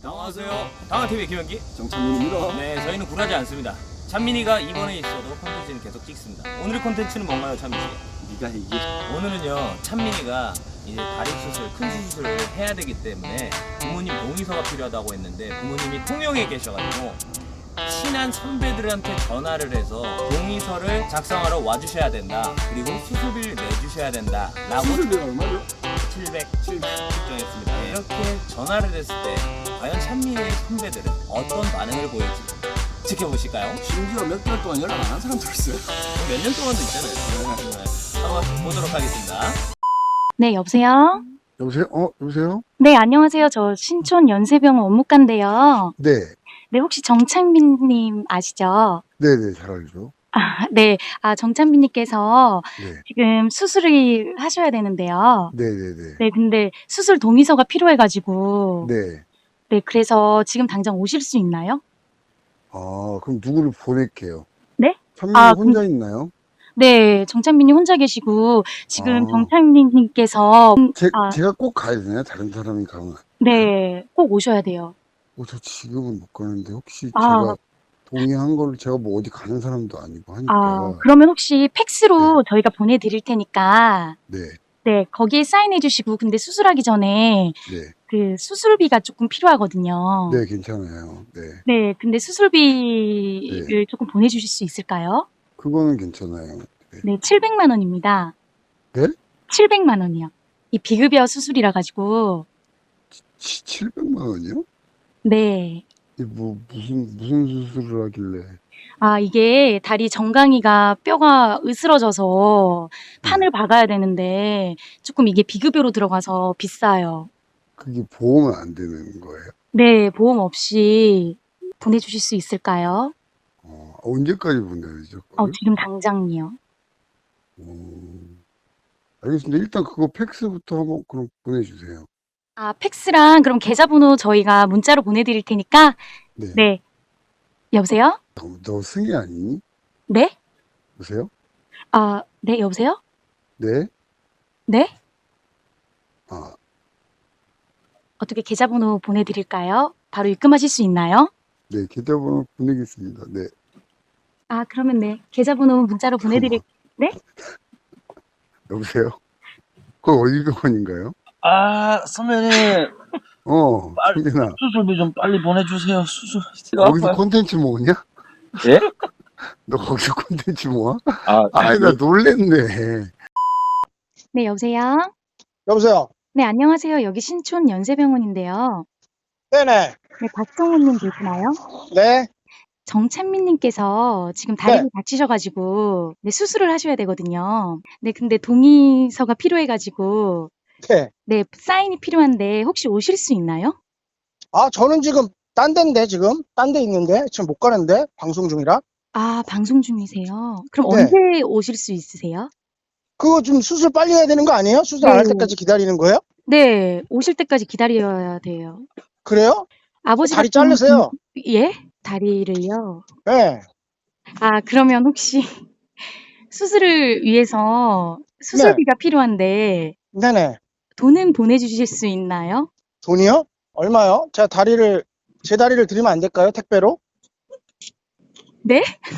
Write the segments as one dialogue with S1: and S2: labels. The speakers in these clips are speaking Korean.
S1: 안녕하세요. 당화TV 김현기.
S2: 정찬민입니다.
S1: 네, 저희는 굴하지 않습니다. 찬민이가 이번에 있어도 콘텐츠는 계속 찍습니다. 오늘의 콘텐츠는 뭔가요, 찬민이?
S2: 네가 이게
S1: 오늘은요, 찬민이가 이제 다리 수술, 큰 수술을 해야 되기 때문에 부모님 동의서가 필요하다고 했는데 부모님이 통영에 계셔가지고 친한 선배들한테 전화를 해서 동의서를 작성하러 와주셔야 된다. 그리고 수술비를 내주셔야 된다. 라고
S2: 수술비가 얼마죠?
S1: 700 결정했습니다. 이렇게 전화를 했을 때 과연 찬민이의 선배들은 어떤 반응을 보일지 지켜보실까요?
S2: 심지어 몇 개월 동안 연락 안 한 사람도 있어요.
S1: 몇 년 동안도 있잖아요. 네. 한번 보도록 하겠습니다.
S3: 네, 여보세요?
S4: 여보세요? 여보세요?
S3: 네, 안녕하세요. 저 신촌 연세병원 업무과인데요.
S4: 네.
S3: 네, 혹시 정찬민님 아시죠?
S4: 네네, 잘 알죠.
S3: 네. 정찬민님께서
S4: 네.
S3: 지금 수술을 하셔야 되는데요.
S4: 네네네.
S3: 네, 근데 수술 동의서가 필요해가지고.
S4: 네.
S3: 네, 그래서 지금 당장 오실 수 있나요?
S4: 그럼 누구를 보낼게요?
S3: 네?
S4: 찬민이
S3: 아,
S4: 혼자 있나요?
S3: 네, 정찬민님 혼자 계시고, 지금
S4: 아.
S3: 정찬민님께서,
S4: 제가 꼭 가야 되나요? 다른 사람이 가면.
S3: 네, 꼭 오셔야 돼요.
S4: 저 지금은 못 가는데, 혹시
S3: 아.
S4: 제가 동의한 걸 제가 뭐 어디 가는 사람도 아니고 하니까.
S3: 그러면 혹시 팩스로 저희가 보내드릴 테니까,
S4: 네.
S3: 네, 거기에 사인해 주시고, 근데 수술하기 전에
S4: 네.
S3: 그 수술비가 조금 필요하거든요.
S4: 네, 괜찮아요. 네.
S3: 네, 근데 수술비를
S4: 네.
S3: 조금 보내주실 수 있을까요?
S4: 그거는 괜찮아요. 네.
S3: 네, 700만 원입니다.
S4: 네?
S3: 700만 원이요. 이 비급여 수술이라 가지고,
S4: 700만 원이요?
S3: 네.
S4: 무슨 수술을 하길래.
S3: 이게 다리 정강이가 뼈가 으스러져서 판을 박아야 되는데, 조금 이게 비급여로 들어가서 비싸요.
S4: 그게 보험은 안 되는 거예요?
S3: 네, 보험 없이 보내주실 수 있을까요?
S4: 언제까지 보내야죠?
S3: 지금 당장이요.
S4: 알겠습니다. 일단 그거 팩스부터 한번 그럼 보내주세요.
S3: 팩스랑 그럼 계좌번호 저희가 문자로 보내드릴 테니까,
S4: 네.
S3: 네. 여보세요?
S4: 너 승희 아니니?
S3: 네?
S4: 여보세요?
S3: 네, 여보세요?
S4: 네?
S3: 네?
S4: 아,
S3: 어떻게 계좌번호 보내드릴까요? 바로 입금하실 수 있나요?
S4: 네. 계좌번호 보내겠습니다. 네.
S3: 그러면 네. 계좌번호 문자로 네?
S4: 여보세요? 그거 어디 병원인가요?
S2: 선배님
S4: 승진아.
S2: 수술비 좀 빨리 보내주세요. 수술
S4: 거기서 콘텐츠 모으냐?
S2: 예?
S4: 너 거기서 콘텐츠 모아?
S2: 네.
S4: 나 놀랬네.
S3: 네, 여보세요?
S5: 여보세요?
S3: 네, 안녕하세요. 여기 신촌 연세병원인데요.
S5: 네네.
S3: 네, 박성우님 계시나요?
S5: 네.
S3: 정찬민님께서 지금 다리를
S5: 네.
S3: 다치셔가지고, 네, 수술을 하셔야 되거든요. 네, 근데 동의서가 필요해가지고,
S5: 네.
S3: 네, 사인이 필요한데, 혹시 오실 수 있나요?
S5: 저는 지금 딴 데인데, 지금? 딴 데 있는데? 지금 못 가는데? 방송 중이라?
S3: 방송 중이세요. 그럼
S5: 네.
S3: 언제 오실 수 있으세요?
S5: 그거 좀 수술 빨리 해야 되는 거 아니에요? 수술 안 할
S3: 네.
S5: 때까지 기다리는 거예요?
S3: 네, 오실 때까지 기다려야 돼요.
S5: 그래요?
S3: 아버지
S5: 다리
S3: 같은
S5: 자르세요.
S3: 예? 다리를요?
S5: 네.
S3: 그러면 혹시 수술을 위해서 수술비가 필요한데
S5: 네네.
S3: 돈은 보내주실 수 있나요?
S5: 돈이요? 얼마요? 제 다리를 드리면 안 될까요? 택배로?
S3: 네?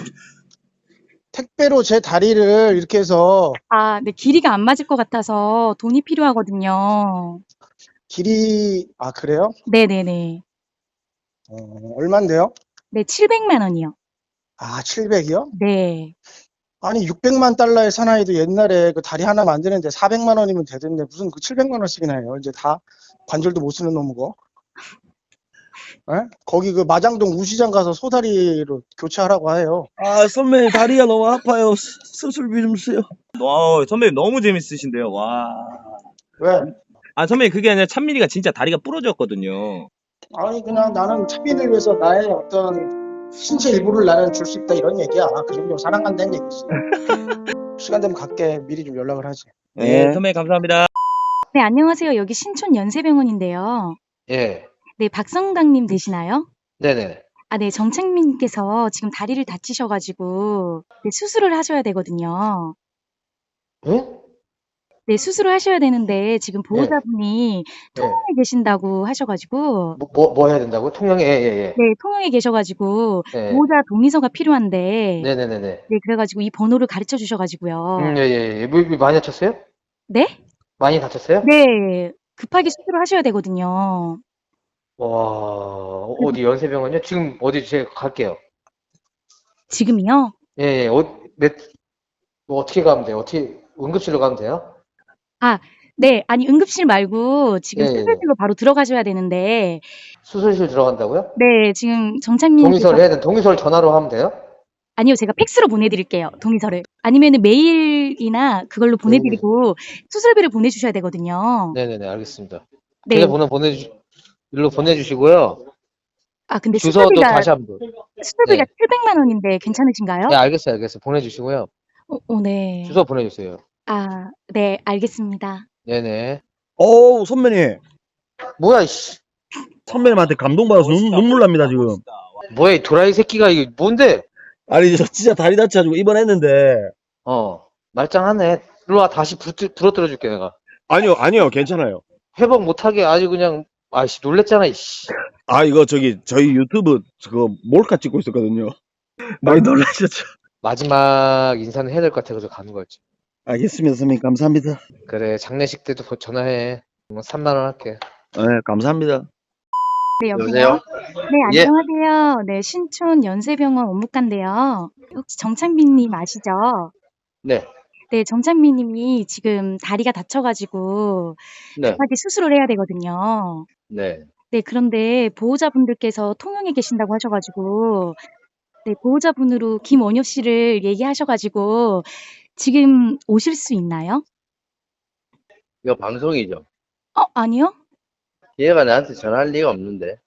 S5: 택배로 제 다리를 이렇게 해서
S3: 네, 길이가 안 맞을 것 같아서 돈이 필요하거든요.
S5: 그래요?
S3: 네네네.
S5: 얼만데요?
S3: 네, 700만 원이요.
S5: 700이요?
S3: 네.
S5: 아니, 600만 달러의 사나이도 옛날에 그 다리 하나 만드는데 400만 원이면 되던데 무슨 그 700만 원씩이나 해요. 이제 다 관절도 못 쓰는 놈이고. 예? 거기 그 마장동 우시장 가서 소다리로 교체하라고 해요.
S2: 선배님 다리가 너무 아파요. 수술비 좀 주세요.
S1: 선배님 너무 재밌으신데요. 와.
S5: 왜?
S1: 선배님 그게 아니라 찬민이가 진짜 다리가 부러졌거든요.
S5: 아니, 그냥 나는 차비를 위해서 나의 어떤 신체 일부를 나는 줄 수 있다 이런 얘기야. 그 정도 사랑한다는 얘기지. 시간 되면 갈게. 미리 좀 연락을 하지.
S1: 네, 선배님 감사합니다.
S3: 네, 안녕하세요. 여기 신촌 연세병원인데요.
S6: 예,
S3: 네, 박성당님 되시나요?
S6: 네네.
S3: 네, 정책님께서 지금 다리를 다치셔가지고 네, 수술을 하셔야 되거든요.
S6: 예?
S3: 네, 수술을 하셔야 되는데 지금
S6: 예.
S3: 보호자분이
S6: 예.
S3: 통영에 계신다고 하셔가지고
S6: 뭐 해야 된다고요? 통영에, 예.
S3: 네, 통영에 계셔가지고
S6: 예.
S3: 보호자 동의서가 필요한데
S6: 네네네네.
S3: 네, 그래가지고 이 번호를 가르쳐 주셔가지고요.
S6: 예. 뭐 많이 다쳤어요?
S3: 네?
S6: 많이 다쳤어요?
S3: 네, 급하게 수술을 하셔야 되거든요.
S6: 와, 어디 연세병원이요? 지금 어디 제가 갈게요.
S3: 지금이요?
S6: 예. 뭐 어떻게 가면 돼요? 어떻게 응급실로 가면 돼요?
S3: 네, 아니 응급실 말고 지금
S6: 예.
S3: 수술실로 바로 들어가셔야 되는데
S6: 수술실 들어간다고요?
S3: 네, 지금 정착님
S6: 동의서를 해야 돼. 동의서를 전화로 하면 돼요?
S3: 아니요, 제가 팩스로 보내드릴게요, 동의서를. 아니면은 메일이나 그걸로 보내드리고 수술비를 보내주셔야 되거든요.
S6: 네네네, 알겠습니다.
S3: 네.
S6: 계좌번호 일로 보내주시고요.
S3: 아, 근데
S6: 주소도
S3: 수술비가
S6: 다시 한번.
S3: 수술비가
S6: 네.
S3: 700만 원인데 괜찮으신가요?
S6: 네, 알겠어요. 보내주시고요.
S3: 네.
S6: 주소 보내주세요.
S3: 아, 네, 알겠습니다.
S6: 네네.
S2: 어우, 선배님.
S6: 뭐야, 이씨.
S2: 선배님한테 감동받아서 눈물 납니다, 지금.
S6: 뭐야, 이 도라이 새끼가, 이게 뭔데?
S2: 아니, 저 진짜 다리 다쳐가지고 입원했는데.
S6: 말짱하네. 일로 와, 다시 부러뜨려 줄게, 내가.
S2: 아니요, 괜찮아요.
S6: 회복 못하게 아주 그냥, 아이씨, 놀랬잖아, 이씨.
S2: 아, 이거 저희 유튜브 그거 몰카 찍고 있었거든요. 많이 놀라셨죠?
S6: 마지막 인사는 해야 될 것 같아서 가는 거였지.
S2: 알겠습니다, 선배님. 감사합니다.
S6: 그래, 장례식 때도 전화해. 3만 원 할게.
S2: 네, 감사합니다.
S3: 네, 여보세요?
S6: 여보세요?
S3: 네,
S6: 예.
S3: 안녕하세요. 네, 신촌 연세병원 업무과인데요. 혹시 정창빈님 아시죠?
S6: 네.
S3: 네, 정창빈님이 지금 다리가 다쳐가지고
S6: 네.
S3: 급하게 수술을 해야 되거든요.
S6: 네.
S3: 네, 그런데 보호자분들께서 통영에 계신다고 하셔가지고 네, 보호자분으로 김원효 씨를 얘기하셔가지고 지금 오실 수 있나요?
S7: 이거 방송이죠.
S3: 아니요.
S7: 얘가 나한테 전화할 리가 없는데.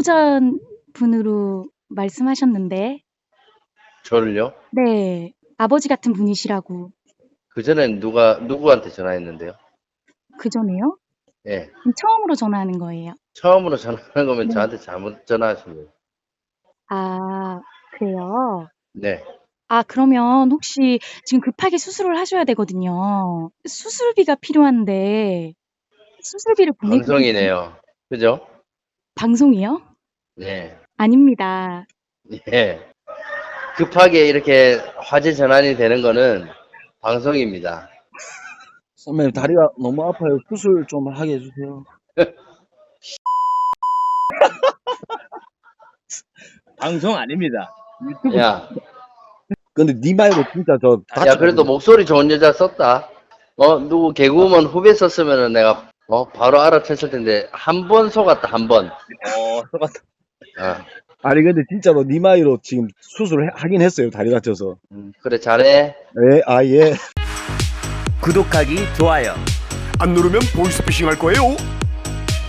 S3: 보호자분으로 말씀하셨는데
S7: 저를요?
S3: 네, 아버지 같은 분이시라고.
S7: 그전엔 누구한테 전화했는데요?
S3: 그전에요?
S7: 예.
S3: 처음으로 전화하는 거예요.
S7: 처음으로 전화하는 거면
S3: 네.
S7: 저한테 잘못 전화하신 거예요.
S3: 아, 그래요?
S7: 네.
S3: 아, 그러면 혹시 지금 급하게 수술을 하셔야 되거든요. 수술비가 필요한데 수술비를
S7: 방송이네요. 그죠?
S3: 방송이요?
S7: 네.
S3: 아닙니다.
S7: 예. 급하게 이렇게 화제 전환이 되는 거는 방송입니다.
S2: 선배님, 다리가 너무 아파요. 수술 좀 하게 해주세요.
S1: 방송 아닙니다.
S7: 야,
S2: 근데 니 말고 진짜 저
S7: 야, 그래도 목소리 좋은 여자 썼다. 누구 개그우먼 후배 썼으면은 내가 바로 알아챘을 텐데 한 번 속았다, 한 번.
S1: 속았다.
S7: 아,
S2: 아니, 근데 진짜로 니 말로 지금 수술을 하긴 했어요. 다리 다쳐서.
S7: 그래, 잘해.
S2: 네, 예.
S1: 구독하기, 좋아요.
S8: 안 누르면 보이스피싱 할 거예요.